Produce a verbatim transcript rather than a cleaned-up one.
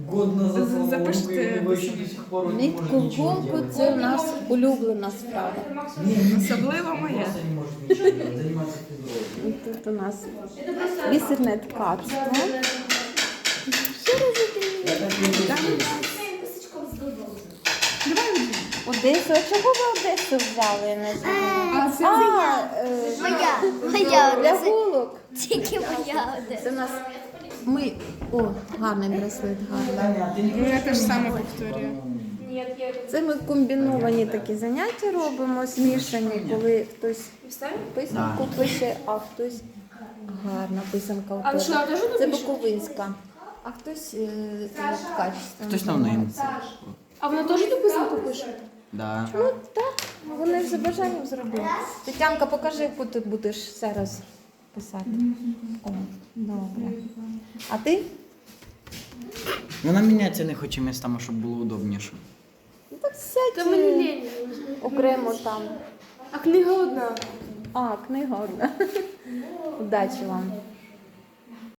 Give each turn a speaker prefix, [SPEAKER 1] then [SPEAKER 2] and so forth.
[SPEAKER 1] Год назад сломал
[SPEAKER 2] Запишите
[SPEAKER 1] руку, и у него еще до сих пор он не может
[SPEAKER 3] Нитку в
[SPEAKER 1] ничего
[SPEAKER 3] голку
[SPEAKER 1] делать.
[SPEAKER 3] це у нас улюблена справа.
[SPEAKER 1] Не, не,
[SPEAKER 2] Особливо
[SPEAKER 1] он
[SPEAKER 2] моя.
[SPEAKER 1] просто не может ничего делать, заниматься физрой.
[SPEAKER 3] І тут у нас бісерне ткацтво. Що розуміє?
[SPEAKER 1] Я так не чувствую.
[SPEAKER 3] Одесу. А чого ви Одесу взяли? Я не знаю.
[SPEAKER 2] А це
[SPEAKER 3] А, е,
[SPEAKER 4] Моя, моя
[SPEAKER 3] для
[SPEAKER 4] Одеса.
[SPEAKER 3] голок.
[SPEAKER 4] Тільки моя
[SPEAKER 3] Це
[SPEAKER 4] Одеса.
[SPEAKER 3] у нас ми. О, гарний браслет, гарний.
[SPEAKER 1] Таня, а ты не
[SPEAKER 2] Ну, я
[SPEAKER 1] хочешь
[SPEAKER 2] те ж саме
[SPEAKER 1] понимать,
[SPEAKER 2] повторюю.
[SPEAKER 1] по-моему?
[SPEAKER 3] Це ми комбіновані такі заняття робимо, змішані, коли хтось писанку пише, а хтось гарна писанка у
[SPEAKER 5] А ви
[SPEAKER 3] тебе.
[SPEAKER 5] що, теж
[SPEAKER 3] Це
[SPEAKER 5] напишете?
[SPEAKER 3] Буковинська, а хтось е, качественно.
[SPEAKER 6] Хтось там ним.
[SPEAKER 5] А вона теж ту писанку пише?
[SPEAKER 6] Да.
[SPEAKER 3] Ну так, вони ж за бажанням зробили. Тетянка, покажи, яку ти будеш зараз писати. О, добре. А ти?
[SPEAKER 6] Вона міняється не хоче містами, щоб було удобніше.
[SPEAKER 3] Ну так сядь
[SPEAKER 5] Та мені
[SPEAKER 3] е,
[SPEAKER 5] лень.
[SPEAKER 3] окремо там.
[SPEAKER 5] А книга одна.
[SPEAKER 3] А, книга одна. Удачі вам.